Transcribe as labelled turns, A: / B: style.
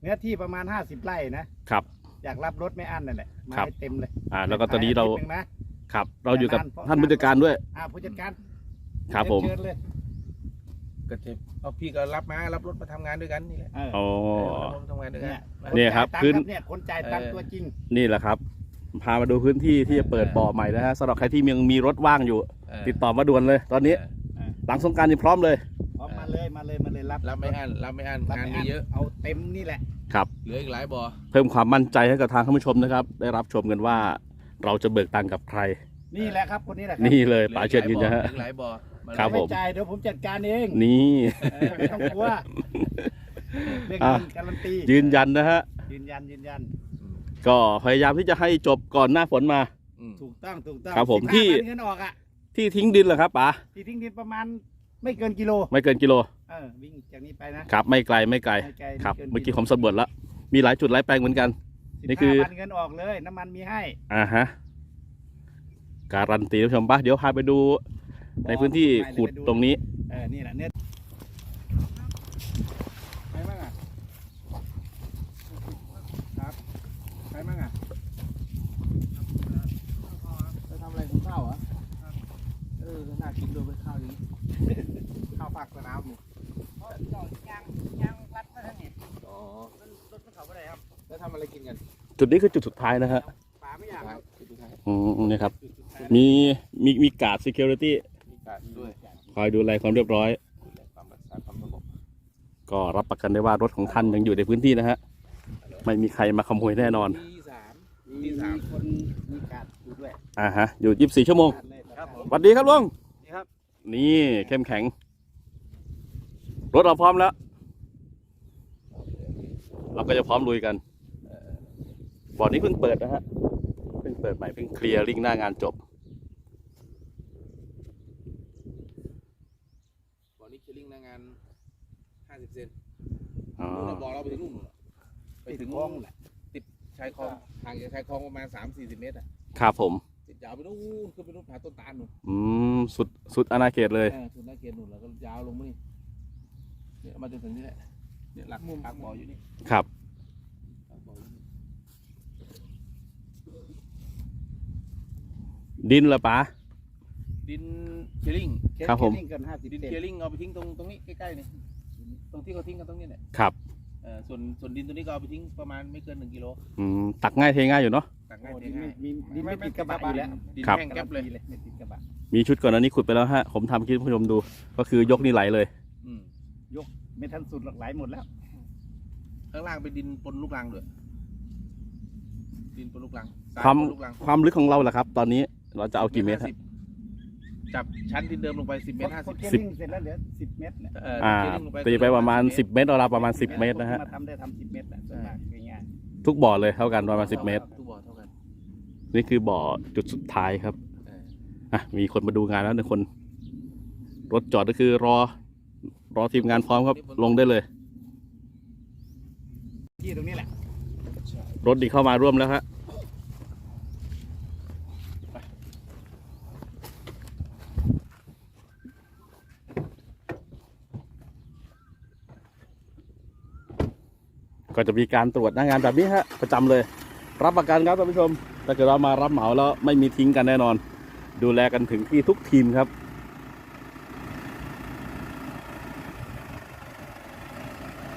A: เนื้อที่ประมาณ50 ไร่นะครับ อยากรับรถไม่อั้นนั่นแหละมาให้เต็มเลย
B: แล้วก็ตอนนี้เรา
A: นะครับ
B: เราอยู่กับท่านผู้จัดการด้วย
A: ผู้จัดการ
B: ครับผม
A: เชิญเลย
C: ก็จะเอาพี่ก็รับรถมาทำงานด้วยกันนี่แหละ
B: อ๋อ
C: ทำงานด้วยกัน
B: เนี่ยครับ
A: ขึ้น
B: ขึ้น
A: เนี่ยคนจ่ายตังค์ตัวจริง
B: นี่แหละครับ พามาดูพื้นที่ที่จะเปิดบ่อใหม่นะฮะสำหรับใครที่ยังมีรถว่างอยู่ ติดต่อมาด่วนเลย ตอนนี้ หลังสงกรานต์นี่พร้อมเลย
A: ออกมาเลยรับ
C: ไม่อั้นงานมีเยอะ
A: เอาเต็มนี่แหละ
B: ครับ
C: เหลืออีกหลายบ่อ
B: เพิ่มความมั่นใจให้กับทางท่านผู้ชมนะครับ ได้รับชมกันว่าเราจะเบิกตังค์กับใคร
A: นี่แหละครับคนนี้แหละครับ
B: นี่เลยป๋าเชิญยืนนะฮะ
C: เหลืออีกหลายบ่อ
B: ครับผม
A: ไม่จ่ายเดี๋ยวผมจัดการเอง
B: นี่
A: ไม่ต้องกลัวเรื่อง
B: อ่ะ
A: เงินการันตี
B: ยืนยันนะฮะ
A: ยืนยัน
B: ก็พยายามที่จะให้จบก่อนหน้าฝนมา
A: ถูกต้อง
B: ครับผม
A: 15
B: ที่
A: เงินออกอ่ะ
B: ที่ทิ้งดินเหรอครับป๋า
A: ที่ทิ้งดินประมาณไม่เกินกิโล
B: ไม่เกินกิโล
A: วิ่งจากนี้ไปนะครับ
B: ไม่ไกล
A: ไม่ไกล
B: ครับ
A: ไกิน
B: เมื่อกี้ผมสำรวจแล้ว มีหลายจุดหลายแปลงเหมือนกัน นี่คือ
A: 15 เงินออกเลยน้ำมันมีให้
B: ฮะการันตีท่านผู้ชมป่ะเดี๋ยวพาไปดูในพื้นที่ขุดตรงนี้
A: นี่แหละเนี่ยใครบ้างอ่ะครับใครบ้างอ่ะไปทำอะไรคุณข้าวเหรอน่ากินด้วยเป็นข้าวอย่างนี้ข้าวผักสนามหมูยางรัดมาทั้งนี้รถมันเขาไปไหนครับ
C: แล้วทำอะไรกินกัน
B: จุดนี้คือจุดสุดท้ายนะฮะ
A: ป่าไม่อยากครับ
B: นี่ครับ มีการ์ด security
C: มีการด้วย
B: คอยดูแลความเรียบร้อย
C: ความรักษาความสงบ
B: ก็รับประกันได้ว่ารถของท่านยังอยู่ในพื้นที่นะฮะ ไม่มีใครมาขโมยแน่นอน
A: มีคนมีการอยู่ด้วย
B: อยู่24 ชั่วโมง
A: ครับผม
B: สวัสดีครับลุง
A: นี่ครับ
B: นี่เข้มแข็ง รถเราพร้อมแล้ว เราก็จะพร้อมลุยกันบ่อนี้เพิ่งเปิดนะฮะ เพิ่งเปิดใหม่เพิ่งเคลียร์ริ่งหน้างานจบ
C: บ่อนี้เคลิงงาน50 เซน
B: อ๋อ
C: นู่นเราบอกเราไปถึงนู่นไปถึง
A: คลองแหละ
C: ติดชายคลองห่างจากชายคลองประมาณ3-40 เมตรอ่ะ
B: ครับผม
C: ติดยาวไปนู่นขึ้นไปนู่นผาต้นตาลนู่น
B: สุดอาณาเขตเลย
C: สุดหน้าเกณฑ์นู่นแล้วก็ยาวลงมานี่เนี่ยมาจนถึงนี่แหละเนี่ยหลักปากบ่ออยู่นี่
B: ครับ
C: ปากบ่ออยู่นี่
B: ดินละป๋า
C: ดินเคลิง
B: ครับผม
A: เกิน50
C: ดิน
A: เซน
C: เคลิงเอาไปทิ้งตรงนี้ใกล้ๆนี่ตรงที่เขาทิ้งกันตรงนี้เนี่ย
B: ครับ
C: ส่วนดินตัวนี้ก็เอาไปทิ้งประมาณไม่เกิน1 กิโล
B: ตักง่ายเทง่ายอยู่เนาะ
C: ตักง่าย
A: โอ้
C: เท
A: ดิน
C: ง่าย
A: มีดินไม่ติดกระบะอยู่แล้ว
C: ดิน
B: ครับ
C: แห้งแก๊บเลย
A: ไม่ติดกระบะ
B: มีชุดก่อนอันนี้ขุดไปแล้วฮะ ผมทำคลิปให้ผู้ชมดู ก็คือยกนี่ไหลเลย
C: อืม
A: ไม่ทันสุดหรอกไหลหมดแล้ว
C: ข้างล่างเป็นดินปนลูกรังด้วยดินปนลูกรังทราย
B: ความ
C: ปนลูกรัง
B: ความลึกของเราล่ะครับ ตอนนี้เราจะเอากี่เมตรฮะ
C: จับชั้นดินเดิมลงไป10 เมตร
A: พอ
C: 50
A: เคลิ่งเสร็จแล้วเหลือ10 เมตรแหละ
C: เคลิงลง
B: ตีไปประมาณ10 เมตรเราประมาณ10 เมตรนะฮะ
A: มาทำได้10 เมตรแหละส่วนมากง่าย
B: ทุกบ่อเลยเท่ากันประมาณ10 เมตร
C: ทุกบ่อเท่ากัน
B: นี่คือบ่อจุดสุดท้ายครับ มีคนมาดูงานแล้ว1 คน รถจอดก็คือรอทีมงานพร้อมครับ ลงได้เลย
A: ๆที่ตรงนี้แหละ
B: รถดีเข้ามาร่วมแล้วฮะก็จะมีการตรวจหน้างานแบบนี้ฮะประจำเลย รับประกันครับท่านผู้ชมถ้าเกิดเรามารับเหมาแล้วไม่มีทิ้งกันแน่นอน ดูแลกันถึงที่ทุกทีมครับ